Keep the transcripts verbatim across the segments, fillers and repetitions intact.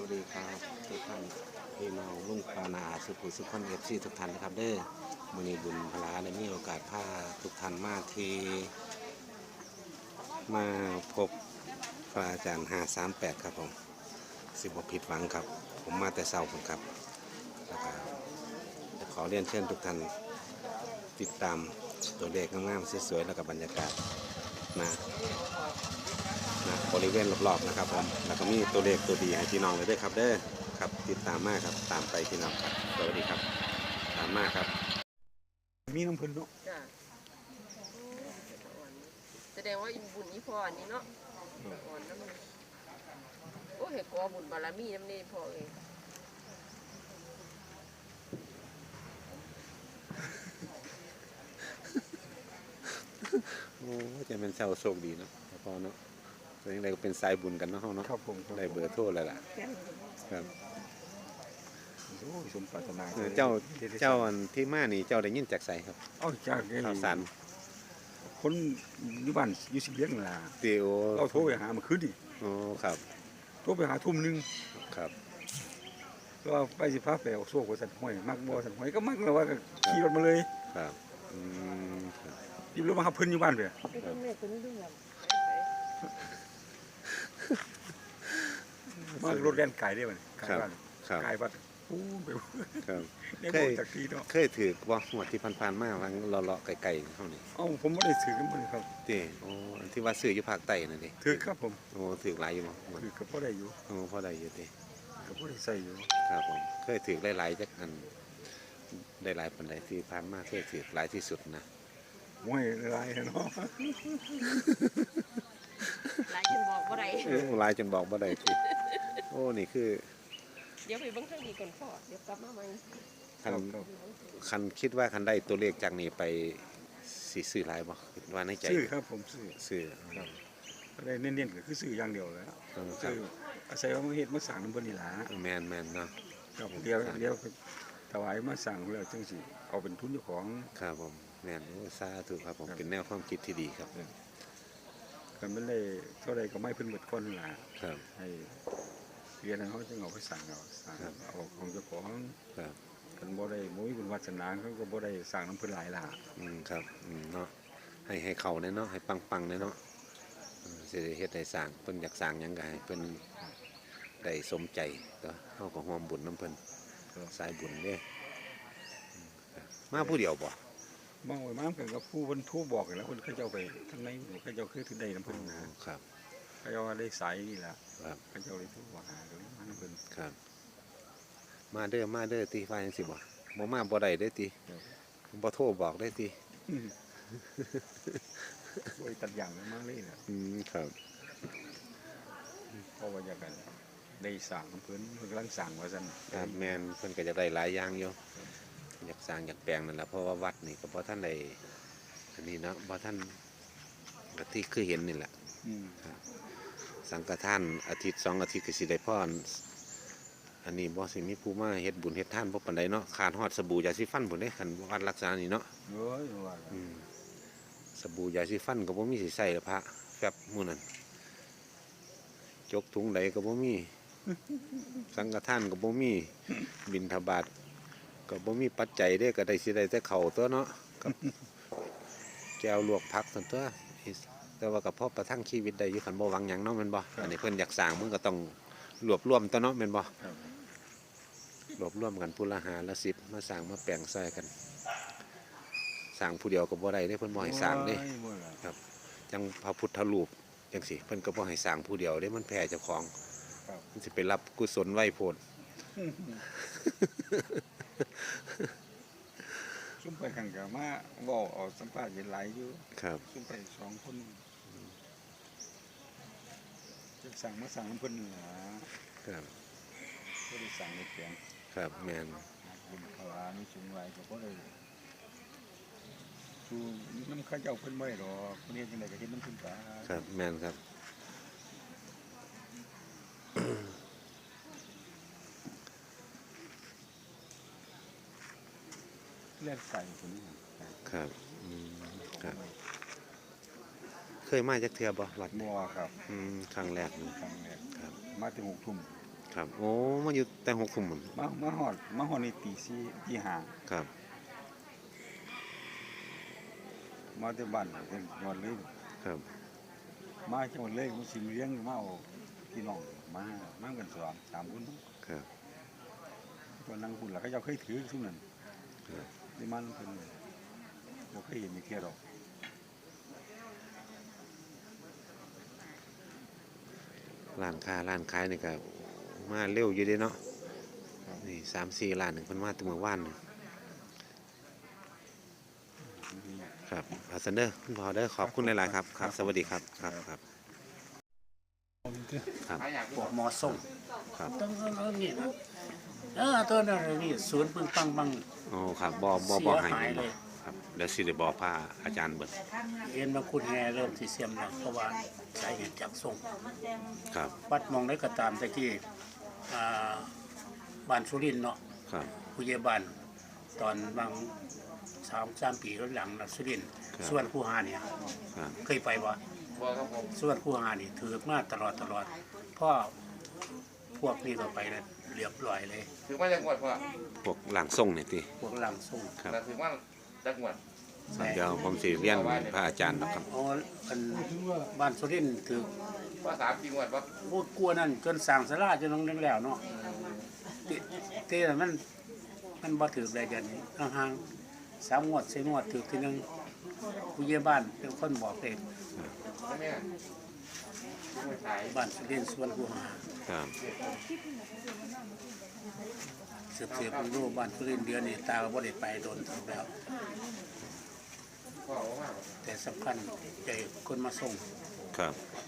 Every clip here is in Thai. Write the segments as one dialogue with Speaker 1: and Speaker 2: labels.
Speaker 1: วัสดีครับทุกท่านพี่น้องลุงปานาสุขุสุขคนเอฟซีทุกท่านนะครับเด้อมื้อนี้บุญพลาได้มีโอกาสพาทุกท่านมาที่มาพบพระอาจารย์ห้าสามแปดครับผมสิบผิดหวังครับผมมาแต่เช้าผมครับแล้วก็จะขอเรียนเชิญทุกท่านติดตามตัวเลขงามๆสวยๆแล้วก็บรรยากาศนะนะบริเวณรอบๆนะครับผมแล้วก็มีตัวเลขตัวดีให้พี่น้องเลยด้วยครับเด้อครับติดตามมากครับตามไปพี่น้องครับสวัสดีครับตามมากครับมีน้ำพึ่งเนาะ
Speaker 2: จ้ะแสดงว่าอินบุญนี่พออันนี้เนาะอ่อนน้ำมันโอ้เห็ดกอบุญบารมีน้ำนี่พอเอง
Speaker 1: โอ้จะเป็นเช้าโชคดีเนาะพอเนาะแต่ยังไงก็เป็นสายบุญกันเนาะเนาะครับผมได้เบอร์โทรแล้วล่ะครับ
Speaker 3: สมปรารถนา
Speaker 1: เจ้าเจ้าอันที่มานี่เจ้าได้ยินจากไสครับ
Speaker 3: เอาจาก
Speaker 1: ข่าวสาร
Speaker 3: คนอยู่บ้านอยู่สิเลี้ยงล่ะ
Speaker 1: เตียว
Speaker 3: เราโทรไปหาเมื่อคืนนี่
Speaker 1: อ๋อครับ
Speaker 3: โทรไปหาทุ่มนึง
Speaker 1: ครับ
Speaker 3: ก็ไปสิพาไปเอาโซ่กับสันห้อยมักบ่สันห้อยก็มักแล้วว่าก็ขี่รถมาเลย
Speaker 1: ครับอืมครับ
Speaker 3: ยิบรถมาหาเพิ่นอยู่บ้านเด้อมารถแล่นไกลได้บ่ไกลบ้านไกลบ้านปูไป
Speaker 1: ครับ
Speaker 3: เคย
Speaker 1: เคยถือบ่หวดที่ผ่านๆมาวังเลาะๆไกลๆเฮานี่
Speaker 3: เอ้าผมบ่ได้ถือกันบ่ครับ
Speaker 1: ติโอ้ที่ว่าซื้ออยู่ภาคใต้นั่นดิ
Speaker 3: ถือครับผม
Speaker 1: โอ้ถือหลายอยู่บ่
Speaker 3: ถือก็พอได้อยู่
Speaker 1: โอ้พอได้อยู่ติ
Speaker 3: ก็พอได้ใส่อยู่
Speaker 1: ครับผมเคยถือหลายๆจักอันได้หลายปานใดที่ผ่านมาเคยถือหลายที่สุดนะ
Speaker 3: โอ้ยหลายเนาะ
Speaker 2: หลายจนบอกบ่ได้
Speaker 1: โอ้หลายจนบอกบ่ได้ติโอ้นี่คือ
Speaker 2: เดี๋ยวไปเบิ่งทางนี้ก่อนพ่อเดี๋ยวกลับมาใหม่
Speaker 1: คันคันคิดว่าคันได้ตัวเลขจากนี้ไปสิซื้อหลายบ่ว่าในใจ
Speaker 3: ซื้อครับผมซื้อ
Speaker 1: ซื้อครับ
Speaker 3: ได้เน้นๆก็คือซื้ออย่างเดียวแล้วซื้ออาศัยว่ามาเฮ็ดมาสร้างนำเพิ่นนี่ล่ะ
Speaker 1: แม่นๆเนาะ
Speaker 3: ครับเดี๋ยวเดี๋ยวถวายมาสร้างแล้วจังสิเอาเป็นทุนเจ้าของ
Speaker 1: ครับผมแม่นโอ้สาธุครับผมเป็นแนวความคิดที่ดีครับ
Speaker 3: กันมันได้เท่าใดก็ไม่เพิ่นเบิดก่อนล่ะ
Speaker 1: ครับ
Speaker 3: ให้เรียนให้เฮาจึงเอาไปสร้างเอาสร้างเอาของเจ้าของ
Speaker 1: ครับ
Speaker 3: กันบ่ได้บ่มีบุญวาสนาเขาก็บ่ได้สร้างนำเพิ่นหลายล่ะ
Speaker 1: อืมครับอืมเนาะให้ให้เข้าแน่เนาะให้ปังๆแน่เนาะสิได้เฮ็ดให้สร้างเพิ่นอยากสร้างหยังก็ให้เพิ่นได้สมใจก็เฮาก็ร่วมบุญนำเพิ่นสายบุญเด้มาผู้เดียวบ่
Speaker 3: มาไว้มากันกับผู้เพิ่นโทรบอกแล้วเพิ่นเขาเจ้าไปทางไหนเขาเจ้าคือถึงได้นำเพิ่นนะครับเขาเจ้าว่าได้สายนี่ล่ะ
Speaker 1: ครับ
Speaker 3: เขาเจ้าเลยโทรว่าหาก็เลยมานำเพิ่น
Speaker 1: ครับมาเด้อมาเด้อติว่าจังซี่บ่บ่มาบ่ได้เด้อติบ่โทรบอกได้ติ
Speaker 3: โอ้ยตัดอย่างมาเลยน่ะ
Speaker 1: อืมครับ
Speaker 3: เพราะว่าอยากกันได้สร้างเพิ่นเพิ่นกำลังสร้างว่าซั่น
Speaker 1: ครับแม่นเพิ่นก็จะได้หลายอย่างอยู่อยากสร้างอยากแปลงนั่นล่ะเพราะว่าวัดนี่ก็บ่ทันได้อันนี้เนาะบ่ทันก็ที่คือเห็นนี่แหละ
Speaker 3: อืม
Speaker 1: ครับสังฆทานอาทิตย์สองอาทิตย์ก็สิได้พรอันนี้บ่สิมีผู้มาเฮ็ดบุญเฮ็ดทานบ่ปานใดเนาะขาดฮอดสบู่ยาสีฟันพุ่นเด้คันวัดรักษานี่เนาะ
Speaker 3: โอ้ยว่า
Speaker 1: อืมสบู่ยาสีฟันก็บ่มีสิใช้แล้วพระแฟบมื้อนั้นจกถุงใดก็บ่มีสังฆทานก็บ่มีบิณฑบาตก็บ่มีปัจจัยเด้ก็ได้สิได้แต่ข้าวตัวเนาะกับแก้วลวกผักซั่นตัวแต่ว่าก็พอประทังชีวิตได้อยู่คันบ่หวังหยังเนาะแม่นบ่อันนี้เพิ่นอยากสร้างมึงก็ต้องรวบรวมตัวเนาะแม่นบ่รวบรวมกันผู้ละห้าละสิบมาสร้างมาแปลงซอยกันสร้างผู้เดียวก็บ่ได้เด้เพิ่นบ่ให้สร้างเด้ครับจังพระพุทธรูปจังซี่เพิ่นก็บ่ให้สร้างผู้เดียวเด้มันแพ้เจ้าของมันสิไปรับกุศลไว้โพด
Speaker 3: ซุ่มไปกันก็มาเว้าเอาสัมภาษณ์หลายอยู่
Speaker 1: ครับ
Speaker 3: ซุ่มไปสองคนจะสั่งมาสั่งน้ำเพิ่นล่ะ
Speaker 1: ครับ
Speaker 3: บ่ได้สั่งในแปลง
Speaker 1: ครับแม่น
Speaker 3: บุญภาวามีสูงหลายก็บ่ได้สู่นำเขาเจ้าเพิ่นบ่ได้ดอกเพิ่นเฮ็ดจังได๋ก็เฮ็ดนำเพิ่นไป
Speaker 1: ครับแม่นครับ
Speaker 3: เลือดใส่คนนี้
Speaker 1: ครับอืมครับเคยมาจากเทือบ่วัด
Speaker 3: บ่ครับ
Speaker 1: อืมครั้งแรก
Speaker 3: ครั้งแรก
Speaker 1: ครับ
Speaker 3: มาถึงหกทุ่ม
Speaker 1: ครับโอ้มาอยู่แต่หกทุ่มหมด
Speaker 3: มามาฮอดมาฮอดนี่ตีสี่ตีห้า
Speaker 1: ครับ
Speaker 3: มาแต่บ้านจังหวัดเลย
Speaker 1: ครับ
Speaker 3: มาจังหวัดเลยมันสิเลี้ยงมาเอาพี่น้องมามากันสองสามคน
Speaker 1: ครับ
Speaker 3: ตัวนั่งพุ่นล่ะเขาเจ้าเคยถือซุมนั้น
Speaker 1: ครับ
Speaker 3: ได้มันเพิ่นบ่เคยเห็นมีเที่ยดอก
Speaker 1: ร้านค้าร้านขายนี่ก็มาเร็วอยู่เด้เนาะนี่สามสี่ร้านหนึ่งเพิ่นมาแต่เมื่อวานนี่ครับอาซันเดอร์คุณพ่อเด้อขอบคุณหลายๆครับครับ สวัสดีครับครับครับครับ
Speaker 4: พวกหมอส่ง
Speaker 1: ครับ
Speaker 4: ต้องเอานี่นะเออตัวนั้นนี่ศูนย์ปึงปังบัง
Speaker 1: โอ้ครับบ่บ่บ่ให้
Speaker 4: เสียหายเลย
Speaker 1: ครับเดี๋ยวสิได้บอกพาอาจารย์เบิด
Speaker 4: เห็นมาคุณแห่เริ่มสิเสียมแล้วเพราะว่าสาเหตุจากส่ง
Speaker 1: ครับ
Speaker 4: วัดมองได้ก็ตามตะกี้อ่าบ้านสุรินทร์เนาะ
Speaker 1: ครับ
Speaker 4: ผู้ใหญ่บ้านตอนบางสามสามปีหลังนะสุรินทร์
Speaker 1: ครับ
Speaker 4: ส่วนคูหาเนี่ย
Speaker 1: ครับ
Speaker 4: เคยไปบ่
Speaker 2: บ่ครับผม
Speaker 4: ส่วนคูหานี่ถือมาตลอดตลอดเพ่อพวกนี้ก็ไปแล้วเรียบร้อยเลย
Speaker 2: ถือว่าจังหวัดพ่อ
Speaker 1: พวกหลังส่งนี่ติ
Speaker 4: พวกหลังส่ง
Speaker 1: ครับ
Speaker 2: แต่ถือว่าจังหวัด
Speaker 1: เดี๋ยวผมสิเรียนพระอาจารย์นะครับ
Speaker 4: อ๋ออันบ้านสุรินทร์ถือ
Speaker 2: ว่าสามจังหวัดว่า
Speaker 4: พูดกลัวนั่นจนสั่งสลาจนน้องแล้วเนาะติเต้มันมันบ่ถือได้เดือนนี้ห่างๆสามงวดสี่งวดถือทีหนึงผู้ใหญ่บ้านเป็นคนบอกเอง
Speaker 2: ใช่ไหมไม่ขาย
Speaker 4: บ้านสุรินทร์สวนผู้หา
Speaker 1: ครับ
Speaker 4: สืบเสียเพิ่งรู้บ้านสุรินทร์เดือนนี้ตาก็บ่ได้ไปโดนถึงแล้ว
Speaker 2: พ่อว่า
Speaker 4: แต่สำคัญใจคนมาส่ง
Speaker 1: ครับ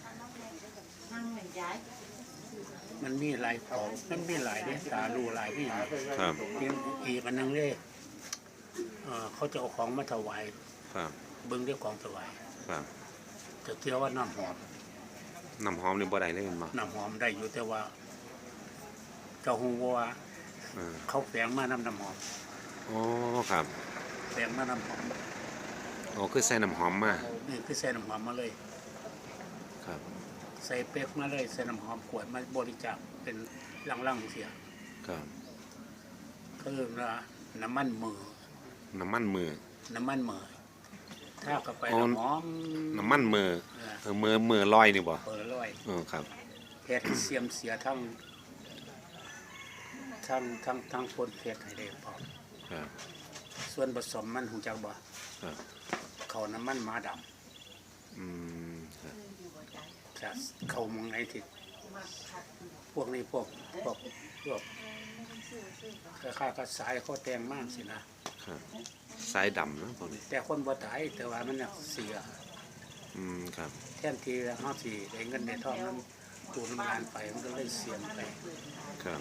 Speaker 4: มันมีหลายของมันมีหลายเนี่ยตารู้หลายที่
Speaker 1: ครับ
Speaker 4: อีกอีกอันหนึงเลยเอ่อเขาจะเอาของมาถวาย
Speaker 1: ครับ
Speaker 4: เบิ่งด้วยของถวาย
Speaker 1: ครับ
Speaker 4: จะเที่ยวว่าน้ำหอม
Speaker 1: น้ำหอมนี่บ่ได้เลยแม่นบ่
Speaker 4: น้ำหอมได้อยู่แต่ว่า เจ้าฮู้บ่ว่า
Speaker 1: เออ
Speaker 4: เขาแฝงมาน้ำน้ำหอม
Speaker 1: อ๋อครับ
Speaker 4: แฝงมาน้ำหอม
Speaker 1: อ๋อคือใส่น้ำหอมมา
Speaker 4: นี่คือใส่น้ำหอมมาเลย
Speaker 1: ครับ
Speaker 4: ใส่เป๊กมาเลยใส่น้ำหอมขวดมาบริจาคเป็นลังๆเสีย
Speaker 1: ครับ
Speaker 4: คือว่าน้ำมันมือ
Speaker 1: น้ำมันมือ
Speaker 4: น้ำมันมือถ้ากับไป
Speaker 1: อ๋อ
Speaker 4: น้ำหอม
Speaker 1: น้ำมันมือ
Speaker 4: เออ
Speaker 1: เออมือมือลอยนี่บ่
Speaker 4: เปิดร้อย
Speaker 1: เออครับ
Speaker 4: เพชรเสียมเสียทั้งทั้งทั้งทั้งคนเพชรให้ได้พร้อม
Speaker 1: ครับ
Speaker 4: ส่วนผสมมันหูจักบ่
Speaker 1: ครับ
Speaker 4: เขาน้ำมันม้าด
Speaker 1: อืมครับ
Speaker 4: ำจะเขามองไงที่พวกนี้พวกพวกพวกค่าๆก็สายเขาแต่งมากสินะครับ
Speaker 1: สายดำนะพวกนี้
Speaker 4: แต่คนบ่ตายแต่ว่ามันน่ะเสีย
Speaker 1: อืมครับ
Speaker 4: แทนที่เฮาสิได้เงินได้ทองนั้นตูน้ำงานไปมันก็เลยเสียไป
Speaker 1: ครับ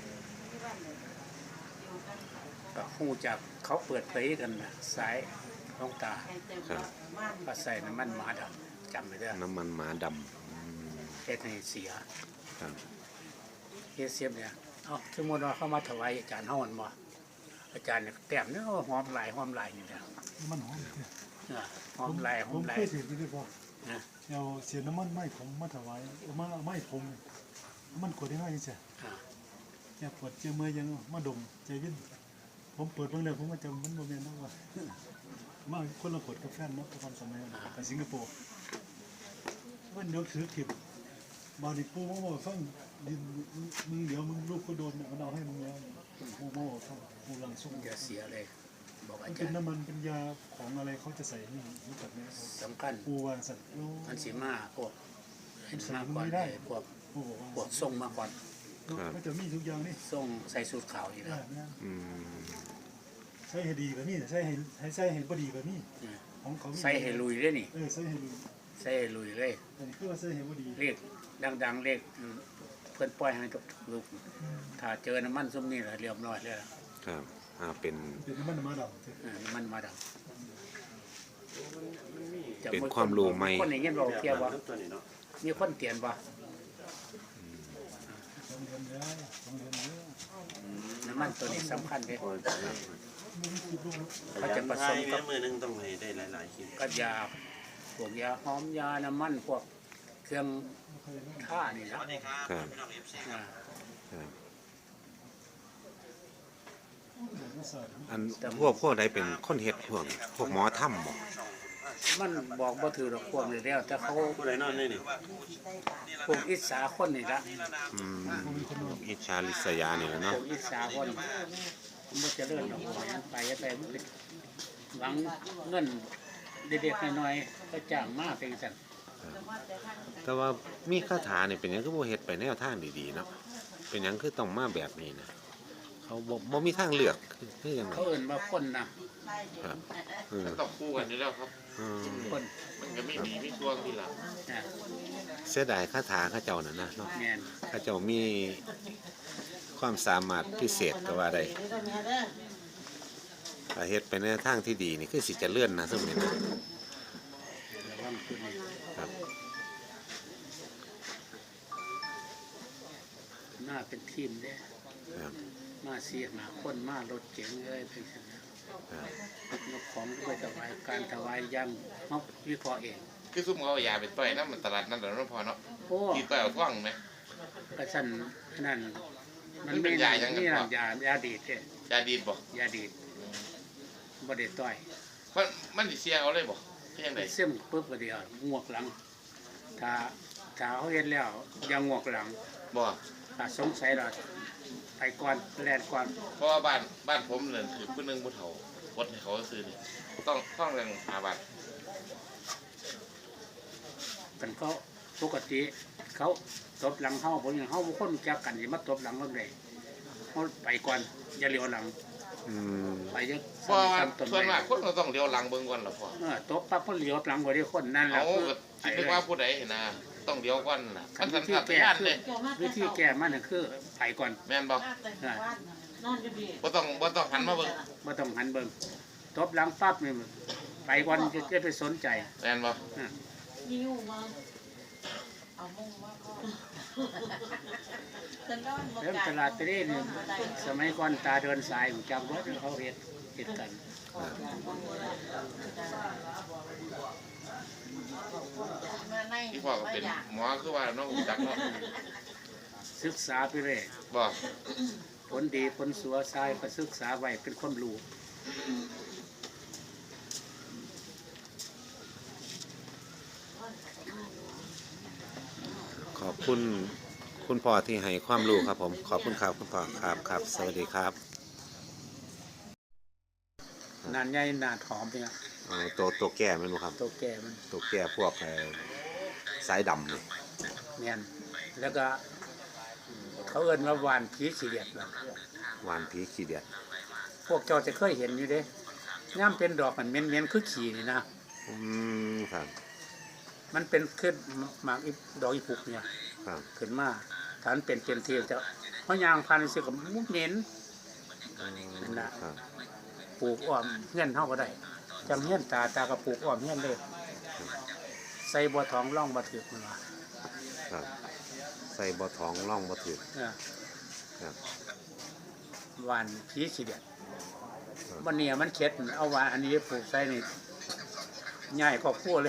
Speaker 4: ก็ฮู้จักเขาเปิดเผยกันนะสายของตา
Speaker 1: ครับ
Speaker 4: ก็ใส่น้ำมันม้าดำจำไว้เด้อ
Speaker 1: น้ำมันหมาดำอืม
Speaker 4: เฮ็ดให้เสีย
Speaker 1: ครับ
Speaker 4: เฮ็ดเสียบเนี่ยเอ้าสมมุติว่าเขามาถวายอาจารย์เฮาหั่นบ่อาจารย์เนี่ยแต้มเนี่ยหอมหลายหอมหลายนี่แหละ
Speaker 5: มันหอม
Speaker 4: เออหอมหลายห
Speaker 5: ผ
Speaker 4: อ
Speaker 5: ม
Speaker 4: มหลา
Speaker 5: เค
Speaker 4: ย
Speaker 5: ยถือที่ได้พอ
Speaker 4: นะ
Speaker 5: เอาเสียน้ำมันไม้ผมมาถวายเอามาไม้ผมมันกดได้ง่ายจังซี่
Speaker 4: อ่า
Speaker 5: แค่ปวดเจ็บมือยังมาดมใจวินผมเปิดเบิ่งแล้วผมว่าจะมันบ่แม่นแล้วว่ามาคนละกดกับแฟนเนาะตอนสมัยนั้นไปสิงคโปร์มันยกถือขิบบาดิปูมาบอกฟังดินมึงเดี๋ยวมึงลูกก็โดนเนี่ยมันเอาให้มึงแล้วปูมาบอกฟังปูหลังส่ง
Speaker 4: อย่าเสียเลย บอก
Speaker 5: มั
Speaker 4: อาน
Speaker 5: เป็
Speaker 4: จาน รย์
Speaker 5: น้ำมันเป็นยาของอะไรเขาจะใส่นี่รู้จักไหม
Speaker 4: สำคัญ
Speaker 5: ปูวางสัตว์โอ้
Speaker 4: มันสิมาพวกเฮ็ดมาก่อนเลยพวก
Speaker 5: ปูบอกว่า
Speaker 4: พวกส่งมาก่อน
Speaker 5: ก็จะมีทุกอย่างนี่
Speaker 4: ส่งใส่สูทขาวอยู่แล้ว
Speaker 1: อืม
Speaker 5: ใช้ให้ดีกว่านี่ใช้ให้ให้ใช้ให้บ่ดีกว่านี่ของเขา
Speaker 4: ใส่ให้ลุยเลยนี่
Speaker 5: เออใช้ให้ดี
Speaker 4: ใส่ให้ลุยเลย
Speaker 5: อันนี้คือว่าใช้ให้บ่ดี
Speaker 4: เรียกดังๆเรียกเพื่อนปล่อยให้กับลูกถ้าเจอน้ำมันซุ่มนี่ละเรียบร้อยแล้วล่ะ
Speaker 1: ครับอ่าเป็น
Speaker 5: เป็นน้ำมันมาดำ
Speaker 4: เออน้ำมันมาดัง
Speaker 1: เป็นความรู้ใหม่
Speaker 4: คนอย่างเงี้ยบอกเทียบว่ามีคนเตียนบ่
Speaker 5: สองเดือนแล้วสองเดือนแล้ว
Speaker 4: น้ำมันตัวนี้สำคัญเลย
Speaker 5: ไม่ได้คิดลูก
Speaker 4: เขาจะผสมกับ
Speaker 6: มือนึงต้องให้ได้หลายๆคลิป
Speaker 4: กับยาพวกยาหอมยาน้ำมันพวกเครื่องท่านี่นะ
Speaker 1: ครับ
Speaker 4: อ่า
Speaker 1: คครับ
Speaker 5: เดี๋ยวมาสอน
Speaker 1: อันพวกพวกใดเป็นคนเฮ็ดพวกพวกหมอถ้ำบ่
Speaker 4: มันบอกบ่ถือดอกความเลยแล้วแต่เขา
Speaker 6: ผู้ใดนอนนี่นี่
Speaker 4: พวกอิสาคนนี่ละ
Speaker 1: อืมอิจฉาลิษยานี่แหละ
Speaker 4: พ
Speaker 1: เนาะ
Speaker 4: วกอิสาคนมันจะเลื่อนดอกไม้ไปไปมันเป็นหวังเงินเด็กๆน้อยๆก็จ้างมาเป็นสั่น
Speaker 1: แต่ว่ามีคาถานี่เป็นหยังคือบ่เฮ็ดไปแนวทางดีๆเนาะเป็นหยังคือต้องมาแบบนี้นะเขาบ่บ่มีทางเลือกคือคือจังได
Speaker 4: เขาเอิ่นว่าคนนะครับ
Speaker 1: เออ
Speaker 6: ต้องคู่กันอยู่แล้วครับ
Speaker 1: อืม
Speaker 4: คน
Speaker 6: มันก็ไม่มีไม่ช่วงที่หลัง
Speaker 4: นะ
Speaker 1: เสียดายคาถาเขาเจ้านั่นนะเนาะ
Speaker 4: แม่น
Speaker 1: เขาเจ้ามีความสามารถพิเศษก็ว่าได้ถ้าเฮ็ดไปในทางที่ดีนี่คือสิเจะเลื่อนนะซึ่งนี่นะ
Speaker 4: ระวังจุดนี้
Speaker 1: ครับ
Speaker 4: มาเป็นทีมเด้
Speaker 1: ครับ
Speaker 4: มาเสียหาคนมารถเก๋งเลยเป็นสั่นนะครับ ยกของไปถวายการถวายย่ำเขาวิเคราะห์เอง
Speaker 6: คือซุ่มเขาเอายาไปต่อยน้ำมันตลาดนั่นแหละน้องพอเนาะ
Speaker 4: โอ้
Speaker 6: ตีต่อยเอาท่องไหม
Speaker 4: กระสันนั่นมัน
Speaker 6: มันเป็
Speaker 4: ไม่
Speaker 6: นยายังไง
Speaker 4: นี่
Speaker 6: พ่อ
Speaker 4: นั่นยายาดีดเด้
Speaker 6: ยาดีดบ่
Speaker 4: ยาดีดบ่ได้ต่อย
Speaker 6: มันมันสิเสียเอาเลยบ่เพียงใด
Speaker 4: เส้มปุ๊บก็เดียวงวกหลัง ถ้าถ้าเขาเห็นแล้วยังงวกหลัง
Speaker 6: บ่
Speaker 4: ถ้าสงสัยเราไปก่อนแลนก่อน
Speaker 6: เพราะว่าบ้านบ้านผมเนี่ยคือผู้หนึงผู้เฒ่าวดให้เขาซื้อนี่ต้องต้องเรื่องหาบัตร
Speaker 4: กันเขาปกติเขาตบหลังเฮาผมอย่างเฮาบ่คนรู้จักกันสิมาตบหลังเราได้เฮาไปก่อนอย่าเลี้ยวหลัง
Speaker 1: อืม
Speaker 4: ไปยัง
Speaker 6: เพราะว่า
Speaker 4: ซ้ำต้น
Speaker 6: ส่วน
Speaker 4: ไม้
Speaker 6: มากคนก็ต้องเลี้ยวหลังเบิ่งก่อนล่ะพ่อ
Speaker 4: เออตบปั๊บเพิ่นเลี้ยวหลังบ่ได้คนนั่นแหละ
Speaker 6: เอา
Speaker 4: คือ
Speaker 6: ก็
Speaker 4: ไป
Speaker 6: คิด
Speaker 4: เลย
Speaker 6: ว่าผู้ใดนะต้องเลี้ยวก่อนน่ะมันสัน
Speaker 4: วิธี
Speaker 6: ทัด
Speaker 4: แก้
Speaker 6: ญาณ
Speaker 4: คื
Speaker 6: เล
Speaker 4: อย วิธีแก้มันน่ะคือไปก่อน
Speaker 6: แม่นบ่
Speaker 4: เออ
Speaker 6: บ่ต้องบ่ต้องหันมาเบิ่ง
Speaker 4: บ่ต้องหันเบิ่งตบหลังปั๊บนี่ไปก่อนจะจะไปสนใจ
Speaker 6: แม่นบ่
Speaker 4: เริ่มตลาดตะเล่นี่สมัยก่อนตาเดินสายผมจำรถเขาเฮ็ดเฮ็ดกัน
Speaker 6: ที่พ่อก็เป็นหมอคือว่าน้องรู้จักเนาะ
Speaker 4: ศึกษาไปเรื่อย
Speaker 6: บ่
Speaker 4: ผลดีผลสัวทรายก็ศึกษาไว้เป็นความรู้
Speaker 1: ขอบคุณคุณพ่อที่ให้ความรู้ครับผมขอบคุณครับคุณพ่อครับครับสวัสดีครับ
Speaker 4: นานใหญ่นานหอมเนี่ย
Speaker 1: เอาตัวตัวแก่แม่นบ่ครับ
Speaker 4: ตัวแก่มัน
Speaker 1: ตัวแก่พวกเอ่อสายดำนี่
Speaker 4: แม่นแล้วก็เขาเอิ้นว่าหวานผีสีเดียดล่ะ
Speaker 1: หวานผีขี้เดียด
Speaker 4: พวกเจ้าจะเคยเห็นอยู่เด้ย่ำเป็นดอกมันเหม็นๆคือขี้นี่นะ
Speaker 1: อืมครับ
Speaker 4: มันเป็นขึ้นหมากอีดอกอีปุกเนี่ย
Speaker 1: ครับ
Speaker 4: ขึ้นมาฐานเป็นเป็นเทียจะเพราะยางพันธุ์สิกับมุกเหม็น นั่นน่ะ
Speaker 1: ครับ
Speaker 4: ปลูกอ้อมเงี้ยนเฮาก็ได้จำเงี้ยนตาตากับปลูกอ้อมเงี้ยนเลยใส่บัวทองร่องบัถือมันว่า
Speaker 1: ครับใส่บ่ท้องร่องบ่ถือ
Speaker 4: เออ
Speaker 1: ครับ
Speaker 4: หวานผีสีเดียด
Speaker 1: ครับ
Speaker 4: วันนี้มันเข็ดเอาหวานอันนี้ปลูกใส่นี่ง่ายกว่าคั่วเลย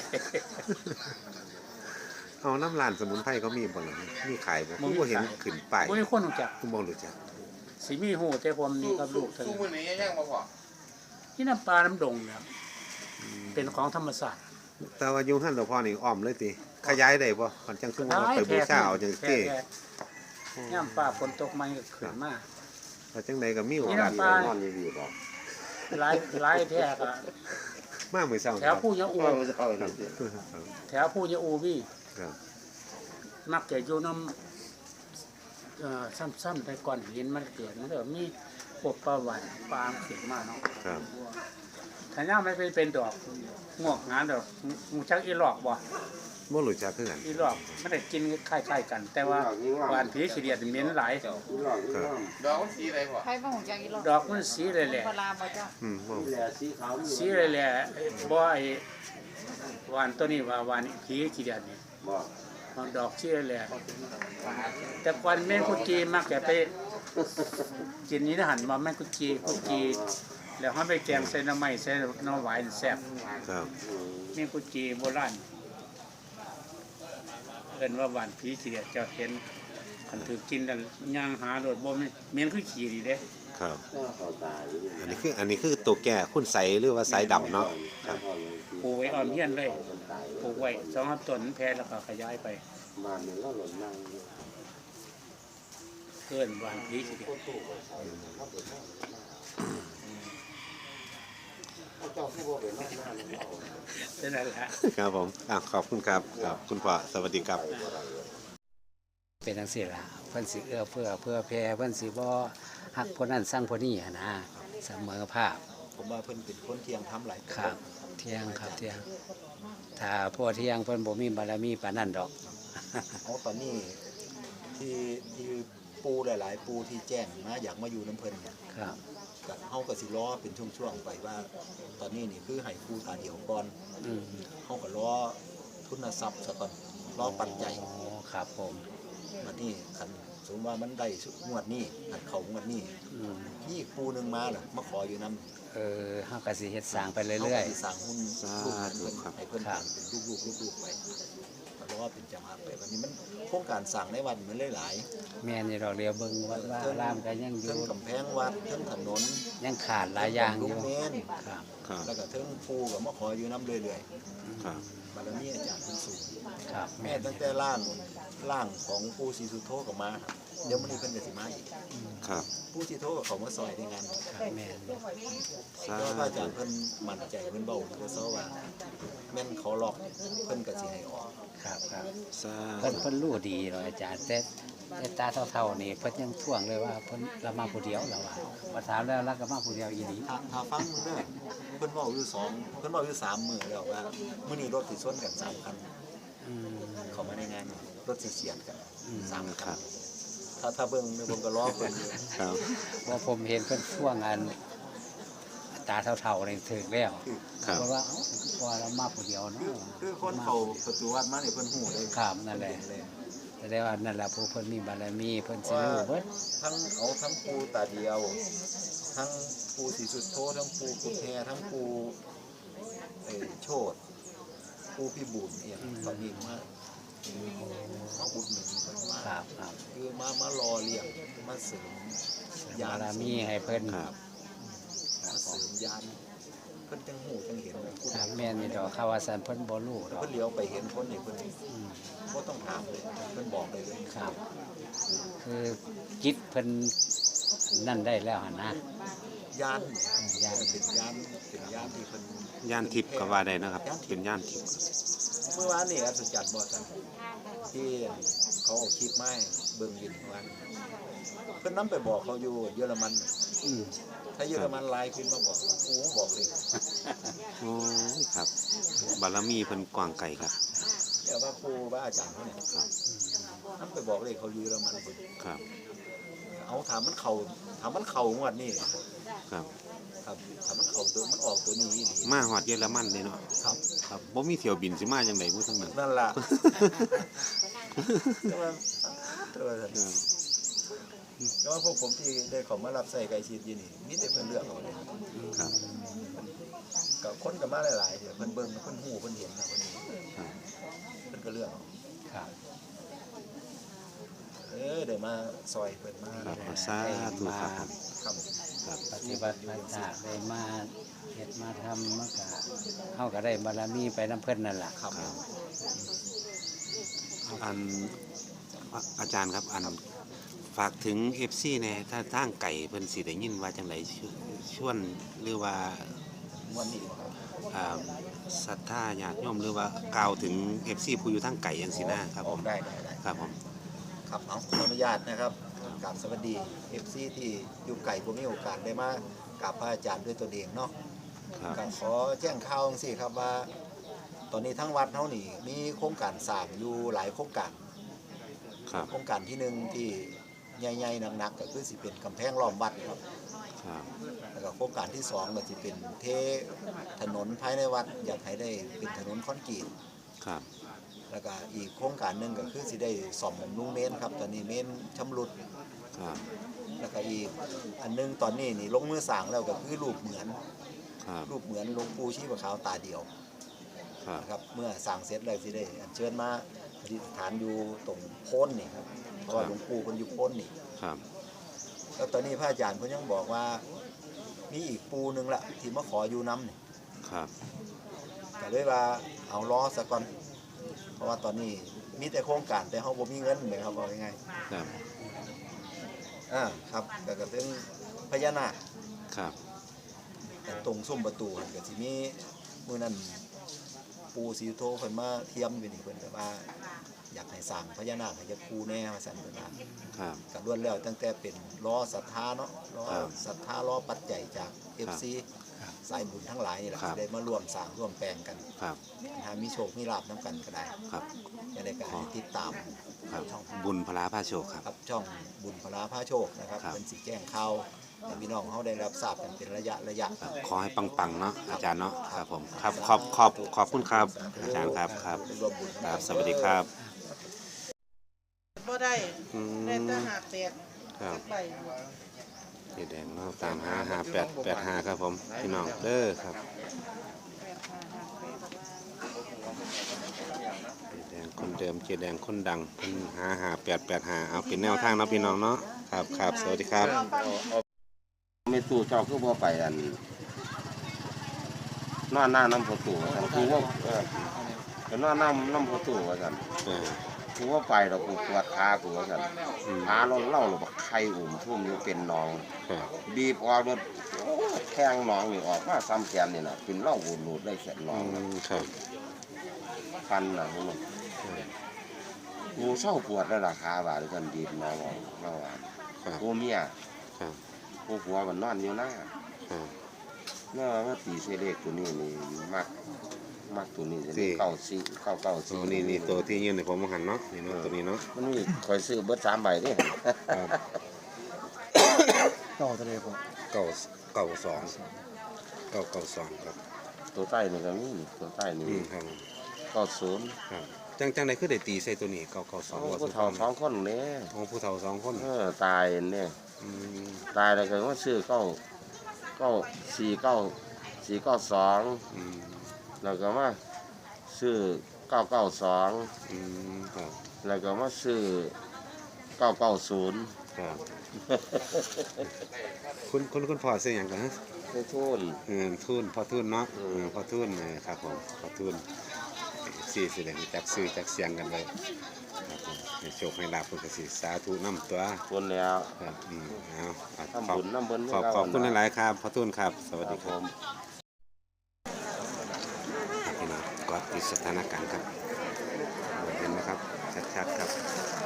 Speaker 1: เอาน้ำลานสมุนไพรเขามีบ่ล่ะมีขายบ่ผมบ่เห็นขึ้นป้าย
Speaker 4: บ่มีคนรู้จัก
Speaker 1: ผมบ่รู้จัก
Speaker 4: สิมีหูแต่ผมนี่กับลูกเท่า
Speaker 6: ทุก
Speaker 4: นั้น
Speaker 6: มื้อนี้ยังบ่พอ
Speaker 4: ที่น้ำปลาน้ำดงเนี่ยเป็นของธรรมศาสตร์
Speaker 1: แต่ว่าอยู่หั่นหลวงพ่อนี่อ้อมเลยติขยายได้บ่มันจังคือว่าไปบูชาเอาจัง
Speaker 4: แท้
Speaker 1: ซี่
Speaker 4: ๆย่ำปลาฝนตกมันก็ขึ้นมา
Speaker 1: ว่าจังไดก็มีโอ
Speaker 4: นี่
Speaker 1: กาส
Speaker 4: น้ำปลา
Speaker 1: นอนอยู่ดีบ่
Speaker 4: หลายหลายแท้ก็
Speaker 1: มามื้อเช้า
Speaker 4: แถวผู้ยะอู
Speaker 1: ครับ
Speaker 4: แถวผู้ยะอูพี่
Speaker 1: ครับ
Speaker 4: มักจะอยู่น้ำเอ่อซ้ำๆแต่ก่อนหินมันเกิดมันก็มีพวกปลาหวานปลาขึ้นมาเนาะ
Speaker 1: ครับ
Speaker 4: ถ้าย่าไม่เป็นเป็นดอกงอกงานดอกงูชักอีหลอกบ่
Speaker 1: บ่รู้จักคือกัน
Speaker 4: อีหลอกมันได้กินคล้ายๆกัน แต่ว่าหวานผีสีเดียดเหม็นหลาย
Speaker 1: ครับ
Speaker 6: ดอกมันสีอะไรพ่อ
Speaker 2: ใครบ่ฮู้จักอีหรอก
Speaker 4: ดอกมันสีแหล่
Speaker 2: ปลาบ่จ้ะ
Speaker 1: อืมบ่
Speaker 4: ๆสีแหล่ๆบ่ไอ้หวานตัวนี้ว่าหวานผีสีเดียดนี่มันดอกสีแหล่ๆแต่ก่อนแม่งกุจีมักจะไปกินนี้นะหันมาแม่งกุจีกุจีแล้วเฮาไปแกงใส่หน้ำไม้ใส่หน้ำหวานแซ่บ
Speaker 1: ครับ
Speaker 4: แม่งกุจีโบราณเอิ้นว่าหวานผีสีเดียดเจ้าเห็นคันถือกินแล้วย่างหาโดดบ่แม่นเมียนคือขี้ดีเด้
Speaker 1: ครับอันนี้คืออันนี้คือตัวแก่คุณใสหรือว่าสายดำเนาะครับ
Speaker 4: ปลูกไว้ออมเฮียนเลยปลูกไว้สองสามต้นแพร่แล้วก็ขยายไปเกินวางพีสิเดียวเป็นนั่นแหละ
Speaker 1: ครับผมอ่ะขอบคุณครับครับคุณพ่อสวัสดีครับ
Speaker 7: เป็นจังซี่ล่ะเพิ่นสิเอื้อเพื่อเพื่อแผ่เพิ่นสิบ่ฮักคนนั้นสร้างคนนี้หั้นนะเสมอภาพ
Speaker 8: ผมว่าเพิ่นเป็นคนเที่ยงทำหลาย
Speaker 7: ครับ เที่ยงครับเที่ยง ถ้าพ่อเที่ยงเพิ่นบ่มีบารมีปานนั้นดอก
Speaker 8: อ๋อตอนนี้ที่ที่ปูหลาย ๆ ปูที่แจ้งมาอยากมาอยู่น้ำเพิ่นเนี่ย
Speaker 7: ครับ
Speaker 8: ก็เฮาก็สิรอเป็นช่วงๆไปว่า ตอนนี้นี่คือให้ปูตาเดียวก่อน
Speaker 7: อืม
Speaker 8: เฮาก็รอทุนทรัพย์ซะก่อนรอปัจจัย
Speaker 7: อ๋อครับผม
Speaker 8: บัดนี้คันสมมุติว่ามันได้งวดนี้คันเข้างวดนี้
Speaker 7: อืม
Speaker 8: มีอีกปูหนึงมาล่ะมาขออยู่นำ
Speaker 7: เออเฮาก็สิเฮ็ดสร้างไป
Speaker 8: เฮา
Speaker 7: เรื่
Speaker 8: ก็
Speaker 7: อย
Speaker 8: สิสร้างหุ้น
Speaker 1: สา
Speaker 8: ลูกหลาน
Speaker 1: ธุ
Speaker 8: เพิ่น
Speaker 1: ครับ
Speaker 8: ให้เพิ่น
Speaker 7: ครับ
Speaker 8: เป็นลูกๆลูกๆไปก็รอเป็นจังหวะไปบัดนี้มันโครงการสร้างในวัดมันหลาย
Speaker 7: ๆแม่นี่ดอกเดียวเบิ่งวัดว่าอารามก็ยังอ
Speaker 8: ๆ
Speaker 7: ยู่
Speaker 8: เทั้งกำแพงวัดเทั้งถนน
Speaker 7: ยังขาดหลายอย่างอ
Speaker 8: ลูก
Speaker 7: ยู่
Speaker 8: เมน
Speaker 7: ครับ
Speaker 1: ครับ
Speaker 8: แล้วก็เทิงปูกับมาขออยู่น้ำเรื่อย
Speaker 1: ครับ
Speaker 8: ๆบารมีอาจารย์เป็นสูง
Speaker 7: ครับ
Speaker 8: แม่
Speaker 7: แม่น
Speaker 8: ตั้งแต่ร่างร่างของปูศรีสุโธกับมาครับเดี๋ยวมันนี้เพิ่นก็สิมาอีก
Speaker 1: ครับ
Speaker 8: ปูศรีสุโธกับเขามาซอยในงาน
Speaker 7: ครับแม่น
Speaker 1: สา
Speaker 8: เพราะว่าพระอา
Speaker 1: ธุ
Speaker 8: จารย์เพิ่นมั่นใจเพิ่นเบ้าเพิ่นเซาว่าแม่นเขาล็อกเพิ่นก็สิให้ออก
Speaker 7: ครับครับ
Speaker 1: สา
Speaker 7: เพิ่น
Speaker 1: ธุ
Speaker 7: เพิ่นรู้ดีเลยอาจารย์แต่แต่ตาเท่าๆนี่เพิ่นยังท่วงเลยว่าเพิ่นละมาผู้เดียวแล้วว่าว่าถามแล้วแล้วก็มาผู้เดียวอีหลี
Speaker 8: ถ้าถ้าฟังมึงเด้อเพิ่นเว้าอยู่สองเพิ่นเว้าอยู่สามมื้อแล้วว่ามื้อนี้รถสิชนกันสามคัน
Speaker 7: อืม
Speaker 8: เข้ามาในงานรถสิเสียดกัน
Speaker 7: อืม
Speaker 8: สาม
Speaker 1: ค
Speaker 8: คั
Speaker 1: รั
Speaker 8: น
Speaker 1: บ
Speaker 8: ถ้าถ้าเบิ่งเนี่ยผมก็รอเพิ่นอยู่
Speaker 1: ครับ
Speaker 7: ว่าผมเห็นเพิ่นท่วงอันตาเท่าๆนี่ถึงแล้ว
Speaker 1: ครับ
Speaker 7: เพราะว่าเอ้าพอเรามาผู้เดียวเนาะ
Speaker 8: คือคือคนเขาประตูวัดมาเนี่ยเพิ่นหูเลย
Speaker 7: ครับนั่นแหละ
Speaker 8: เพิ่เย
Speaker 7: แสดงว่านั่นแหละผู้เพิ่นมีบารมีเพิ่นสิรู้เบิด
Speaker 8: ทั้งเอาทั้งปูตาเดียว ทั้งปูสีสุดโททั้งปูกุแททั้งปูเอ่อโชดปูพี่บุญเนี่ยตอนนี้มามาอุดหนุนเพิ่นมา
Speaker 7: ครับครับ
Speaker 8: คือมามารอเลี้ยงมาเสริมยา
Speaker 7: บาน รมีให้เพิ่น
Speaker 1: ครับ
Speaker 8: มาเสริมยานเพิ่นจังหูจังเห็นเลยพูด
Speaker 7: ครับแม่นนี่ดอกเขาว่าซั่นเพิ่นบ่รู้ดอก
Speaker 8: เพิ่นเลี้ยวไปเห็นคนนี่เพิ่น
Speaker 7: อืม
Speaker 8: บ่ต้องถามเลยเพิ่นบอกเลยเลย
Speaker 7: ครับ คือจิตเพิ่นนั่นได้แล้วหั่นนะ
Speaker 8: ยาน
Speaker 7: ยาน
Speaker 8: เป็นยานเป็นยานที่เพิ่น
Speaker 1: ย่านทิพย์ก็ว่าได้นะครับ เป็นย่านทิพย์
Speaker 8: เมื่อวานนี่อัศจรรย์บ่จันที่เขาเอาคลิปมาให้เบิ่งอยู่เมื่อวานเพิ่นนํไปบอกเขาอยู่เยอรมัน
Speaker 7: อืม
Speaker 8: ถ้าเยอรมันไลน์ขึ้นมาบอกโอ้บอกเลย
Speaker 1: โอ้ยครับ บารมีเพิ่นกว้างไกลครับ
Speaker 8: เดี๋ยวว่าครูว่าอาจารย์เขาเนี่ย
Speaker 1: ครับ
Speaker 8: นํไปบอกเลยเขาอยู่เยอรมันเพิ่น
Speaker 1: ครับ
Speaker 8: เอาถามมันเข้าถามมันเข้างวดนี้
Speaker 1: ครับ
Speaker 8: ครับถามมันเข้าตัวมันออกตัวนี้อีหลี
Speaker 1: มาฮอดเยอรมันเลยเนาะ
Speaker 8: ครับ
Speaker 1: ครับบ่มีเที่ยวบินสิมาจังได๋บ่ทั้งนั้น
Speaker 8: นั่นล่ะแต่ว่าแต่ว่า
Speaker 1: ครับ
Speaker 8: แต่ว่าพวกผมที่ได้เขอมารับใส่ไก่ชีดอยู่นี่มีแต่เพิ่นเลือกเอาเลย
Speaker 1: ครับ
Speaker 8: ก็คนก็มาหลายๆเดี๋ยวเพิ่นเบิ่งเพิ่นฮู้เพิ่นเห็นนะเพิ่นนี้
Speaker 1: ครับ
Speaker 8: เพิ่นก็เลือกเอา
Speaker 7: ครับ
Speaker 8: เออเดี๋ยวมาซอยเพิ่นมา
Speaker 1: ครับเอาสาธุครับผม
Speaker 8: ครับ
Speaker 1: ครับ
Speaker 7: ปฏิบัติมาจากได้มาเฮ็ดมาทำมันก็เฮาก็ได้บารมีไปนํเพิ่นนั่นล่ะ
Speaker 8: ครับ
Speaker 1: อันอ่ะอาจารย์ครับอันฝากถึง เอฟ ซี แหน่ถ้าทางไก่เพิ่นสิได้ยินว่าจังไดชวนหรือว่า
Speaker 8: วันนี้บ่ครับ
Speaker 1: อ่าศรัทธาญาติโยมหรือว่ากล่าวถึง เอฟ ซี ผู้อยู่ทางไก่จังซี่นะครับผม
Speaker 8: ได้ได้ได้
Speaker 1: ครับผม
Speaker 8: ครับเอาขออนุญาตนะครับกราบสวัสดี เอฟ ซี ที่อยู่ไกลบ่มีโอกาสได้มากราบพระอาจารย์ด้วยตัวเองเนาะ
Speaker 1: ครับ
Speaker 8: ก็ขอแจ้งข่าวจังซี่ครับว่า ตอนนี้ทั้งวัดเฮานี่มีโครงการสร้างอยู่หลายโครงการ
Speaker 1: ครับ
Speaker 8: โครงการที่หนึ่งที่ใหญ่ๆหนักๆก็คือสิเป็นกำแพงล้อมวัดครับ
Speaker 1: ครับ
Speaker 8: แล้วก็โครงการที่สองก็สิเป็นเทถนนภายในวัดอยากให้ได้เป็นถนนคอนกรีต
Speaker 1: ครับ
Speaker 8: แล้วก็อีกโครงการหนึ่งก็คือสิได้ซ่อมบำรุงเมนครับตอนนี้เมนชำรุด
Speaker 1: ครับ
Speaker 8: แล้วก็อีกอันหนึงตอนนี้นี่ลงมือสร้างแล้วก็คือรูปเหมือน
Speaker 1: ครับ
Speaker 8: รูปเหมือนหลวงปู่ชีพขาวตาเดียว
Speaker 1: ครับ
Speaker 8: นะครับเมื่อสร้างเสร็จแล้วสิได้อัญเชิญมาประดิษฐานอยู่ตรงโพ้นนี่ครับเพราะว่าหลวงปู่คนอยู่พ้นนี่
Speaker 1: ครับ
Speaker 8: แล้วตอนนี้พระอาจารย์เพิ่นยังบอกว่ามีอีกปูหนึงละที่มาขออยู่น้ำนี่
Speaker 1: ครับ
Speaker 8: ก็เลยว่าเอาล้อซะก่อนเพราะว่าตอนนี้มีแต่โครงการแต่เฮาบ่มีเงินเลยครับว่ายังไง
Speaker 1: ครับ
Speaker 8: อ่าครับก็ก็เป็นพญานาค
Speaker 1: ครับ
Speaker 8: ตรงซุ้มประตูหั่นก็สิมีมื้อนั้นปู่ศรีสุโธเพิ่นมาเทียมอยู่นี่เพิ่นก็ว่าอยากให้สร้างพญานาคให้จักปูแน่ว่าซั่นเพิ่นว่า
Speaker 1: ครับ
Speaker 8: ก็ล้วนแล้วตั้งแต่เป็นล้อศรัทธาเนาะล้อ
Speaker 1: ครับ
Speaker 8: ศรัทธาล้อปัจจัยจาก เอฟ ซี สายบุญทั้งหลายนี่แหละ
Speaker 1: ครับ
Speaker 8: ได้มาร่วมสร้างร่วมแปลงกัน
Speaker 1: ครับ
Speaker 8: หามีโชคมีลาภนํกันก็ได้
Speaker 1: ครับ
Speaker 8: จะได้การติดตาม
Speaker 1: ครับ
Speaker 8: ช่อง
Speaker 1: บุญพลาพาโชคครับ
Speaker 8: ครับช่องบุญพลาพาโชคนะครับ
Speaker 1: ครับ
Speaker 8: เป็นสิแจ้งข่าวให้พี่น้องเขาได้รับทราบกันเป็นระยะระยะ
Speaker 1: ครับขอให้ปังๆเนาะอาจารย์เนาะครับผมครับขอบขอบขอบคุณครับอาจารย์ครับครับ
Speaker 8: ได้ร่วมบุญ
Speaker 1: ครับสวัสดีครับ
Speaker 9: บ่ได้
Speaker 1: อืม
Speaker 9: ได้แต่หาแปด
Speaker 1: ครับ
Speaker 9: ใบ
Speaker 1: เจแดงเนาะตามหาหาแปดแปดหาครับผมพี่น้องเด้อครับเจแดงคนเดิมเจแดงคนดังเพิ่นหาหาแปดแปดหาเอาเป็นแนวทางเนาะพี่น้องเนาะครับครับสวัสดีครับ
Speaker 10: ไม่ตู้เจ้าคือบ่ไปอันนอนหน้าน้ำประตูว่าซั่นคือว่าเออเป็นนอนน้ำน้ำประตูว่าซั่น
Speaker 1: เออ
Speaker 10: คือว่าไปเรากูปวดขากูว่าซั่น
Speaker 1: อืม
Speaker 10: ขาเราเล่าเราบักไข่อุ่มทุ่มอยู่เป็นหนอง
Speaker 1: ครับ
Speaker 10: บีบออกรถแข้งหนองนี่ออกมาซ้ำแขนนี่น่ะเป็นเหล่าหูหลุดได้แขนหน
Speaker 1: อื
Speaker 10: อง
Speaker 1: มครับ
Speaker 10: ฟันน่ะมันกูเศร้าปวดแล้วล่ะขาบาดกันบีบหนองออกมาว่า
Speaker 1: ครับ
Speaker 10: กูเมีย
Speaker 1: ครับ
Speaker 10: กูผัวมันนอนอยู่หน้า
Speaker 1: ครับ
Speaker 10: เมื่อมาตีเสเลขตัวนี้นี่มักมักตัวนี้จะ
Speaker 1: สี่
Speaker 10: เก้าสี่เก้าเก้า
Speaker 1: ตั
Speaker 10: สี่
Speaker 1: วนี้นี่ตัวที่ยืนในผมหันเนาะนี่เนาะตัวนี้เนาะ
Speaker 10: มันมีคอยซื้อเบิดสามใบเด้
Speaker 1: ครับ
Speaker 5: ต่อทะเลผม
Speaker 1: เก้าเก้าสองเก้าเก้าสองครับ
Speaker 10: ตัวใต้นี่ก็มีนี่ตัวใต้นี่
Speaker 1: อืมครับ
Speaker 10: เก้าศูนย์
Speaker 1: ครับจังจังใดคือได้ตีใส่ตัวนี้เก้าเก้าสอง
Speaker 10: โอ้
Speaker 1: ว่า
Speaker 10: ผู้เฒ่าสองคนเนี่ย
Speaker 1: โอ้ผู้เฒ่าสองคน
Speaker 10: เออตายเนี่ย
Speaker 1: อืม
Speaker 10: ตายแล้วก็ว่าซื้อเก้าเก้าสี่เก้าสี่เก้าสอง
Speaker 1: อืม
Speaker 10: แล้วก็มาซื้อเก้าเก้าสอง
Speaker 1: อืมครับ
Speaker 10: แล้วก็มาซื้อเก้าเก้าศูนย์
Speaker 1: ครับคุณคุณคุณพ่อซื้อหยังกันฮะ
Speaker 10: ได้ทุน
Speaker 1: เออทุนพอทุนเนาะ
Speaker 10: อื
Speaker 1: เอ
Speaker 10: ม
Speaker 1: อพอทุนเออครับผมพอทุนสี่สิเลยจักซื้อจักเสียงกันเลยครับผมให้โชคให้ลาภเพิ่นก็สิสาธุนำตัว
Speaker 10: คนแล้ว
Speaker 1: ครับอืมเอาเอา
Speaker 10: ทำ
Speaker 1: ขอบ
Speaker 10: บุญน้ำบุญ
Speaker 1: ขอบขอบคุณหลายๆครับพอทุนครับ สวัสดีครับ
Speaker 10: ผม
Speaker 1: พี่น้องก็ติดสถานการณ์ครับเห็นไหมครับชัดๆครับ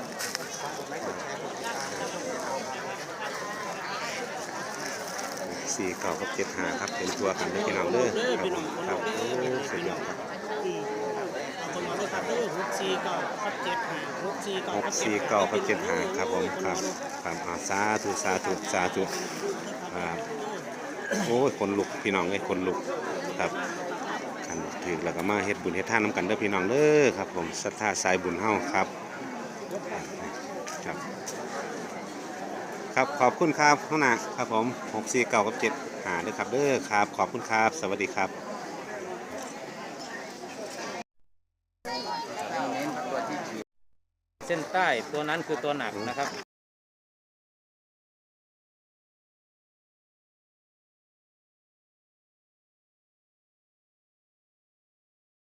Speaker 1: สี่เก้ากับเจ็ดห้าครับเป็นตัวกันเลยพี่น้องเด้อครับผมครับโอ้สุดยอดครับ
Speaker 9: เอาคนมาเลยครับเด้อหกสี่เก้ากับเจ็ดห้าหกสี่เก้า
Speaker 1: หกสี่เก้ากับเจ็ดห้าครับผมครับครับอ่าสาธุสาธุสาธุครับโอ้ยคนลุกพี่น้องเอ้ยคนลุกครับกันถือแล้วก็มาเฮ็ดบุญเฮ็ดทานน้ำกันเด้อพี่น้องเด้อครับผมศรัทธาสายบุญเฮาครับครับ ครับขอบคุณครับข้างหน้าครับผมหกสี่เก้ากับเจ็ดหาด้วยครับเด้อครับขอบคุณครับสวัสดีครับ
Speaker 11: เส้นใต้ตัวนั้นคือตัวหนักนะครับ